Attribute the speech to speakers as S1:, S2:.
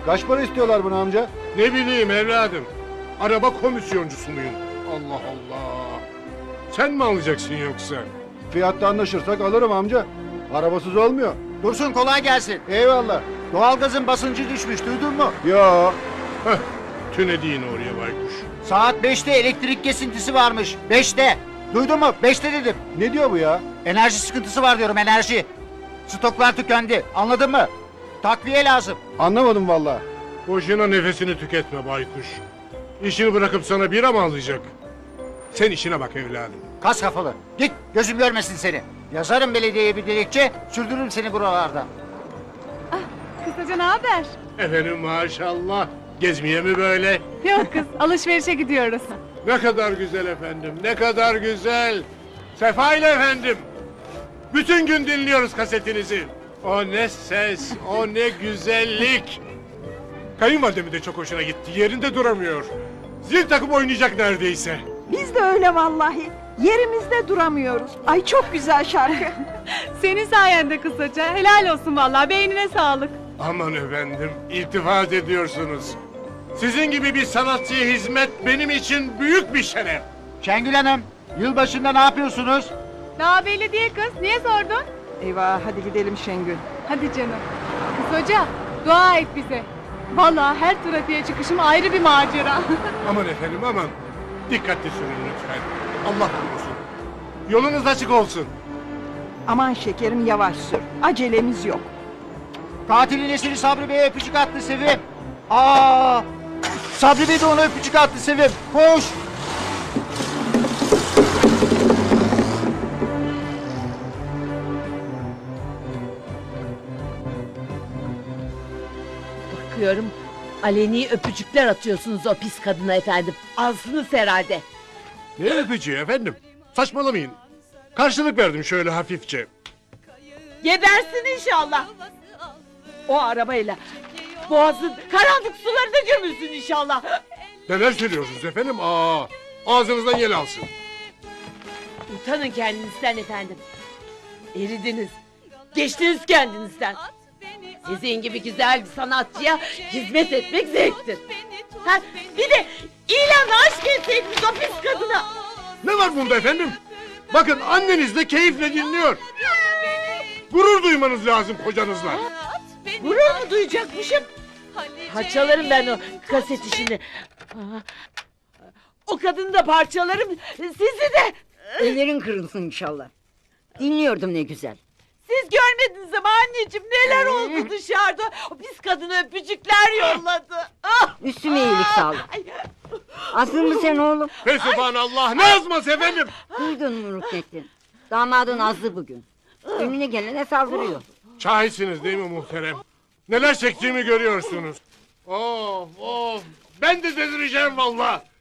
S1: Kaç para istiyorlar bunu amca?
S2: Ne bileyim evladım. Araba komisyoncusu muyum? Allah Allah. Sen mi alacaksın yoksa?
S1: Fiyatta anlaşırsak alırım amca. Arabasız olmuyor.
S3: Dursun kolay gelsin.
S1: Eyvallah.
S3: Doğalgazın basıncı düşmüş duydun mu?
S1: Yo.
S2: Heh, tünedi yine oraya baykuş.
S3: Saat 5'te elektrik kesintisi varmış. 5'te. Duydun mu? 5'te dedim.
S1: Ne diyor bu ya?
S3: Enerji sıkıntısı var diyorum enerji. Stoklar tükendi. Anladın mı? Takviye lazım.
S1: Anlamadım vallahi.
S2: Boşuna nefesini tüketme baykuş. İşini bırakıp sana bira mı alacak? Sen işine bak evladım.
S3: Kas kafalı. Git gözüm görmesin seni. Yazarım belediyeye bir dilekçe. Sürdürürüm seni buralardan.
S4: Kısaca ne haber?
S2: Efendim maşallah. Gezmeye mi böyle?
S4: Yok kız, alışverişe gidiyoruz.
S2: Ne kadar güzel efendim, ne kadar güzel. Sefa ile efendim. Bütün gün dinliyoruz kasetinizi. O ne ses, o ne güzellik. Kayınvalidemin de çok hoşuna gitti, yerinde duramıyor. Zil takıp oynayacak neredeyse.
S5: Biz de öyle vallahi. Yerimizde duramıyoruz. Ay çok güzel şarkı.
S4: Senin sayende kısaca. Helal olsun vallahi, beynine sağlık.
S2: Aman efendim, iltifat ediyorsunuz. Sizin gibi bir sanatçıya hizmet benim için büyük bir şeref.
S3: Şengül Hanım, yılbaşında ne yapıyorsunuz?
S4: Daha belli değil kız, niye sordun?
S5: Eyvah hadi gidelim Şengül.
S4: Hadi canım. Kız hoca, dua et bize. Vallahi her trafiğe çıkışım ayrı bir macera.
S2: Aman efendim aman. Dikkatli sürün lütfen. Allah korusun. Yolunuz açık olsun.
S5: Aman şekerim yavaş sür. Acelemiz yok.
S3: Katilin esiri Sabri Bey'e öpücük attı Sevim. Aa! Sabri Bey de ona öpücük attı Sevim. Koş!
S6: Bakıyorum aleni öpücükler atıyorsunuz o pis kadına efendim. Azsınız herhalde.
S2: Ne öpücüğü efendim? Saçmalamayın. Karşılık verdim şöyle hafifçe.
S6: Gebersin inşallah. O arabayla boğazın karanlık sularına gömülsün inşallah.
S2: Neler söylüyorsunuz efendim? Ağzınızdan yel alsın.
S6: Utanın kendinizden efendim. Eridiniz. Geçtiniz kendinizden. Sizin gibi güzel bir sanatçıya hizmet etmek zevktir. Ha, bir de ilan aşk etseydiniz o pis kadına.
S2: Ne var bunda efendim? Bakın anneniz de keyifle dinliyor. Gurur duymanız lazım kocanızla.
S6: Gurur mu duyacakmışım? Parçalarım ben o kaset işini. O kadını da parçalarım, sizi de.
S7: Ellerin kırılsın inşallah. Dinliyordum ne güzel.
S6: Siz görmediniz ama anneciğim neler oldu dışarıda. O pis kadına öpücükler yolladı. Ah!
S7: Üstüme iyilik sağlık.
S6: Ay,
S7: Asıl mı sen oğlum?
S2: Fesubhanallah ne yazmaz efendim?
S7: Duydun mu Ruknettin? Damadın azlı bugün. Önüne gelene saldırıyor.
S2: Şahitsiniz değil mi muhterem? Neler çektiğimi görüyorsunuz. Of of. Ben de delireceğim valla.